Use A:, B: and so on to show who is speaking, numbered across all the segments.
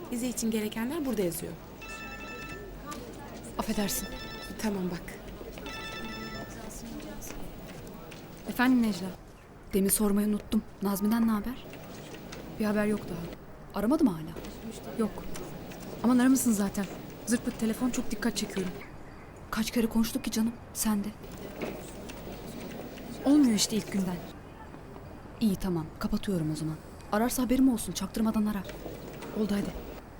A: Vize için gerekenler burada yazıyor.
B: Affedersin.
A: Tamam bak.
B: Efendim Necla. Demin sormayı unuttum. Nazmi'den ne haber? Bir haber yok daha. Aramadı mı hala? Yok. Aman aramışsın zaten. Zırt pırt telefon, çok dikkat çekiyorum. Kaç kere konuştuk ki canım, sen de. Olmuyor işte ilk günden. İyi tamam, kapatıyorum o zaman. Ararsa haberim olsun, çaktırmadan arar. Oldu hadi.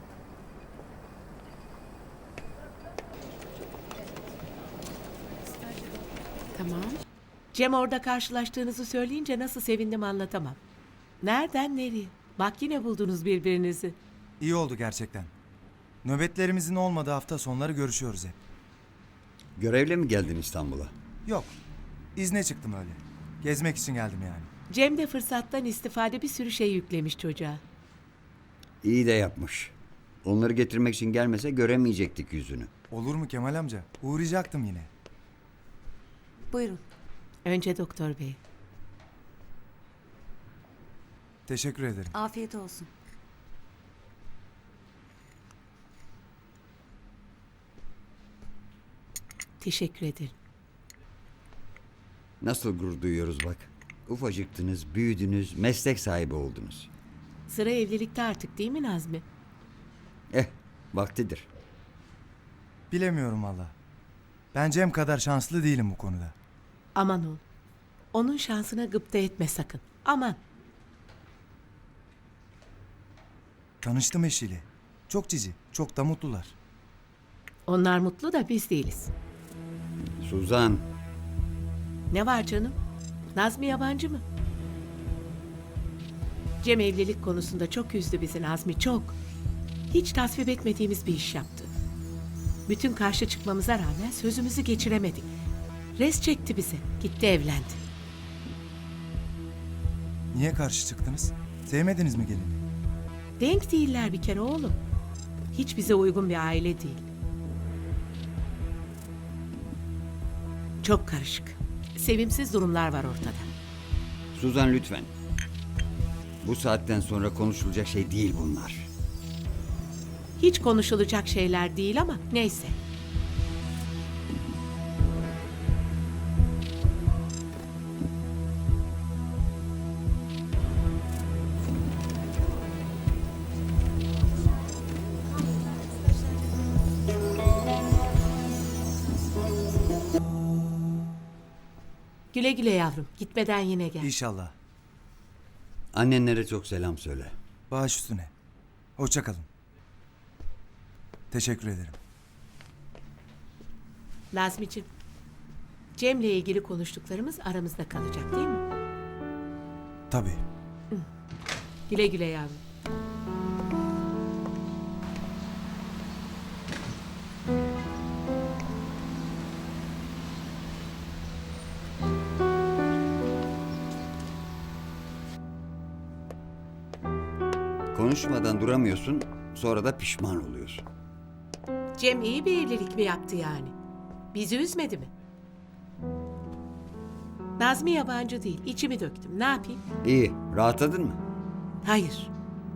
A: Tamam.
C: Cem orada karşılaştığınızı söyleyince nasıl sevindim anlatamam. Nereden nereye? Bak yine buldunuz birbirinizi.
D: İyi oldu gerçekten. Nöbetlerimizin olmadığı hafta sonları görüşüyoruz hep.
E: Görevle mi geldin İstanbul'a?
D: Yok, izne çıktım öyle. Gezmek için geldim yani.
C: Cem de fırsattan istifade bir sürü şey yüklemiş çocuğa.
E: İyi de yapmış. Onları getirmek için gelmese göremeyecektik yüzünü.
D: Olur mu Kemal amca? Uğrayacaktım yine.
A: Buyurun.
C: Önce doktor bey.
D: Teşekkür ederim.
F: Afiyet olsun.
C: Teşekkür ederim.
E: Nasıl gurur duyuyoruz bak. Ufacıktınız, büyüdünüz, meslek sahibi oldunuz.
C: Sıra evlilikte artık değil mi Nazmi?
E: Vaktidir.
D: Bilemiyorum valla. Ben Cem kadar şanslı değilim bu konuda.
C: Aman ol. Onun şansına gıpta etme sakın. Aman.
D: Tanıştım eşiyle. Çok cici, çok da mutlular.
C: Onlar mutlu da biz değiliz.
E: Suzan,
C: Ne var canım? Nazmi yabancı mı? Cem evlilik konusunda çok üzdü bizi Nazmi, çok. Hiç tasvip etmediğimiz bir iş yaptı. Bütün karşı çıkmamıza rağmen sözümüzü geçiremedik. Res çekti bize. Gitti evlendi.
D: Niye karşı çıktınız? Sevmediniz mi gelini?
C: Denk değiller bir kere oğlum. Hiç bize uygun bir aile değil. Çok karışık. Sevimsiz durumlar var ortada.
E: Suzan lütfen. Bu saatten sonra konuşulacak şey değil bunlar.
C: Hiç konuşulacak şeyler değil ama neyse. Güle güle yavrum. Gitmeden yine gel.
D: İnşallah.
E: Annenlere çok selam söyle.
D: Baş üstüne. Hoşça kalın. Teşekkür ederim.
C: Nazmi'cim, Cem'le ilgili konuştuklarımız aramızda kalacak değil mi?
D: Tabii.
C: Güle güle yavrum.
E: Konuşmadan duramıyorsun, sonra da pişman oluyorsun.
C: Cem iyi bir evlilik mi yaptı yani? Bizi üzmedi mi? Nazmi yabancı değil. İçimi döktüm. Ne yapayım?
E: İyi, rahatladın mı?
C: Hayır.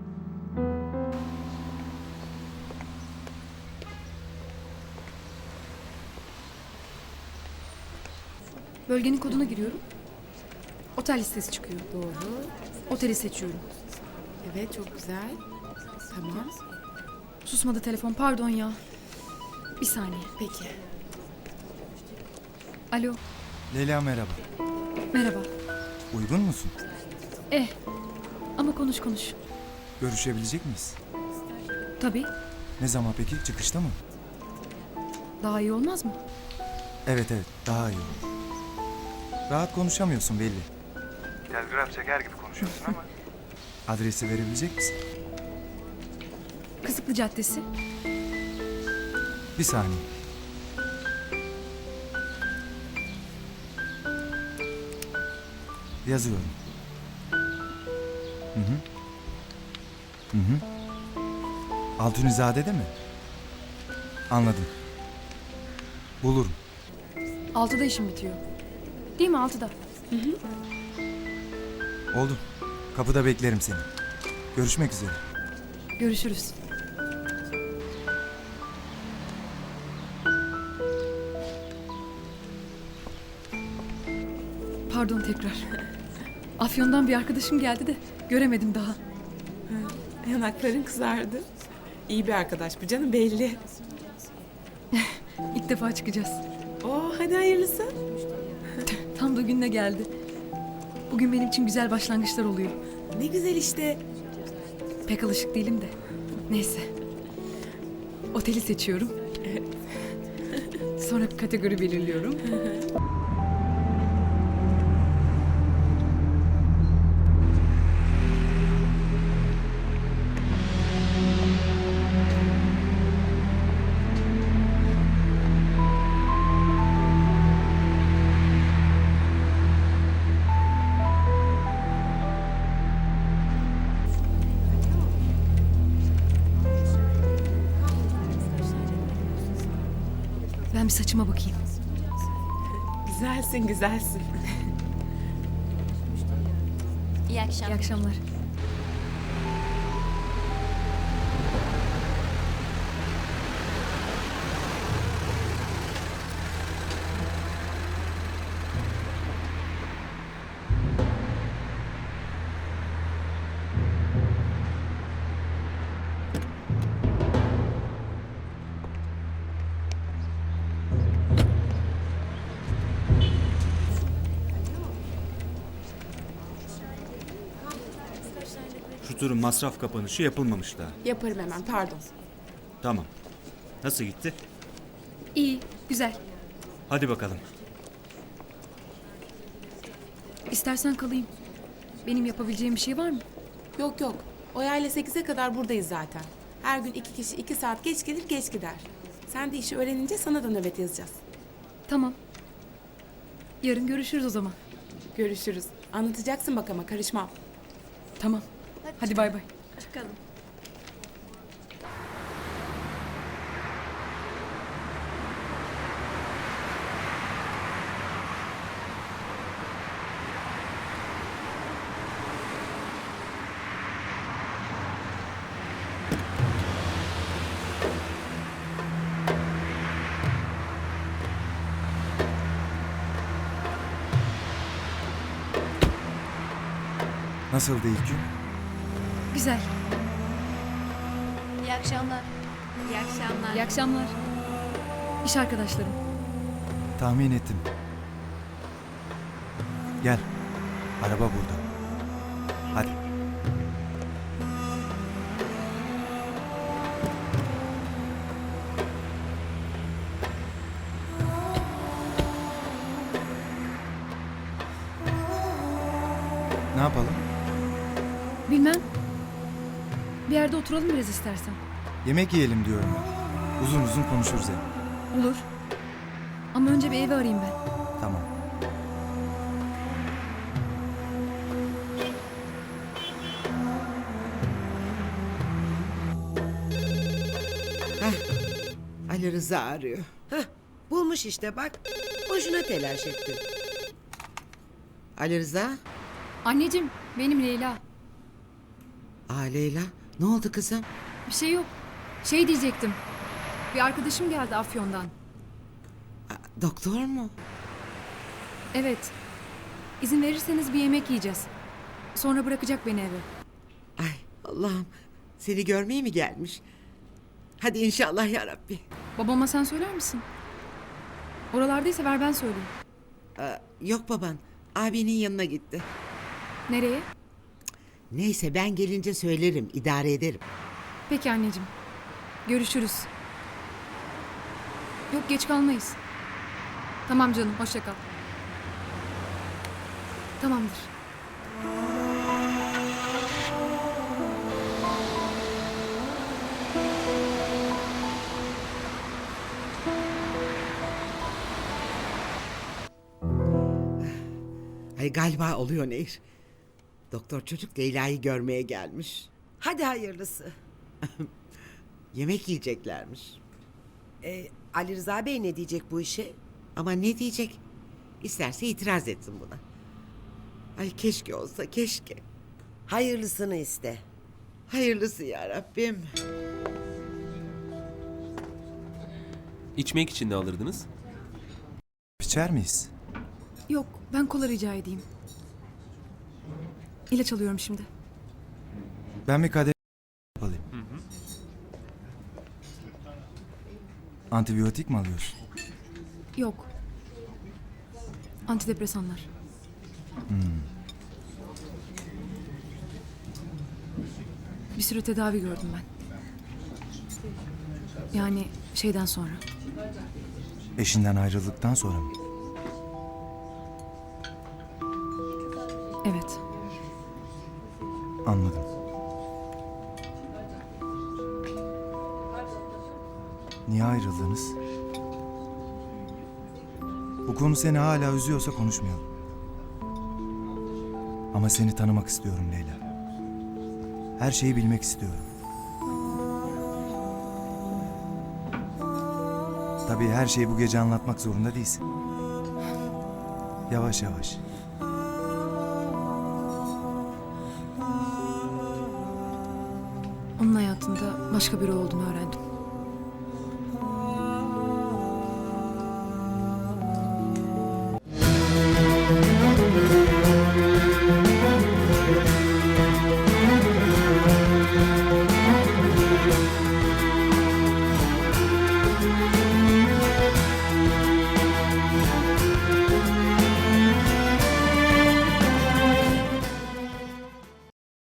B: Bölgenin koduna giriyorum. Otel listesi çıkıyor.
A: Doğru.
B: Oteli seçiyorum.
A: Evet çok güzel. Tamam.
B: Susmadı telefon, pardon ya. Bir saniye.
A: Peki.
B: Alo,
D: Leyla merhaba.
B: merhaba.
D: Uygun musun?
B: Ama konuş.
D: Görüşebilecek miyiz?
B: Tabii,
D: Ne zaman peki? Çıkışta mı?
B: daha iyi olmaz mı?
D: Evet daha iyi olur. Rahat konuşamıyorsun belli. Telgraf çeker gibi konuşuyorsun ama. Adresi verebilecek misin?
B: Kızıklı Caddesi.
D: Bir saniye. Yazıyorum. Hı. Altunizade'de mi? Anladım. Bulurum.
B: 6'da işim bitiyor. Değil mi 6'da?
D: Oldu. Kapıda beklerim seni. Görüşmek üzere.
B: Görüşürüz. Pardon tekrar. Afyon'dan bir arkadaşım geldi de göremedim daha.
A: Yanakların kızardı. İyi bir arkadaş bu canım belli.
B: İlk defa çıkacağız.
A: Oo hadi hayırlısı.
B: Tam da gününe geldi. Bugün benim için güzel başlangıçlar oluyor.
A: Ne güzel işte.
B: Pek alışık değilim de. Neyse. Oteli seçiyorum. Sonra kategori belirliyorum. Ben bir saçıma bakayım.
A: Güzelsin güzelsin.
B: İyi akşamlar.
F: Şu turun masraf kapanışı yapılmamış daha.
A: Yaparım hemen pardon.
F: Tamam. Nasıl gitti?
B: İyi, güzel.
F: Hadi bakalım.
B: İstersen kalayım. Benim yapabileceğim bir şey var mı?
A: Yok yok. Oya ile 8'e kadar buradayız zaten. Her gün 2 kişi 2 saat geç gelir geç gider. Sen de işi öğrenince sana da nöbet yazacağız.
B: Tamam. Yarın görüşürüz o zaman.
A: Görüşürüz. Anlatacaksın bak ama karışmam.
B: Tamam. Hadi bay bay.
D: Nasıldı ilk gün?
B: Güzel.
G: İyi akşamlar. İyi akşamlar.
B: İyi akşamlar. İş arkadaşlarım.
D: Tahmin ettim. Gel. Araba burada. Hadi. Ne yapalım?
B: Bilmem. Bir yerde oturalım biraz istersen.
D: Yemek yiyelim diyorum ben. Uzun uzun konuşuruz hem.
B: Olur. Ama önce bir evi arayayım ben.
D: Tamam.
H: Ali Rıza arıyor.
I: Hah, bulmuş işte bak. Boşuna telaş ettin.
H: Ali Rıza?
B: Anneciğim, benim Leyla.
H: Aa Leyla. Ne oldu kızım?
B: Bir şey yok. Şey diyecektim. Bir arkadaşım geldi Afyon'dan.
H: Doktor mu?
B: Evet. İzin verirseniz bir yemek yiyeceğiz. Sonra bırakacak beni eve.
H: Ay Allah'ım. Seni görmeye mi gelmiş? Hadi inşallah ya Rabbi.
B: Babama sen söyler misin? Oralardaysa ver ben söyleyeyim.
H: Yok baban. Abinin yanına gitti.
B: Nereye?
H: Neyse ben gelince söylerim. İdare ederim.
B: Peki anneciğim. Görüşürüz. Yok geç kalmayız. Tamam canım hoşça kal. Tamamdır.
H: Ay galiba oluyor Nehir. Doktor çocuk Leyla'yı görmeye gelmiş.
I: Hadi hayırlısı.
H: Yemek yiyeceklermiş.
I: Ali Rıza Bey ne diyecek bu işe?
H: Ama ne diyecek? İsterse itiraz etsin buna. Ay keşke olsa keşke.
I: Hayırlısını iste.
H: Hayırlısı ya Rabbim.
J: İçmek için ne alırdınız?
D: İçer miyiz?
B: Yok, ben kola rica edeyim. İlaç alıyorum şimdi.
D: Ben bir kadeh alayım. Antibiyotik mi alıyorsun?
B: Yok. Antidepresanlar. Bir süre tedavi gördüm ben. Yani şeyden sonra.
D: Eşinden ayrıldıktan sonra mı?
B: Evet.
D: Anladım. Niye ayrıldınız? Bu konu seni hala üzüyorsa konuşmayalım. Ama seni tanımak istiyorum Leyla. Her şeyi bilmek istiyorum. Tabii her şeyi bu gece anlatmak zorunda değilsin. Yavaş yavaş.
B: Onun hayatında başka biri olduğunu öğrendim.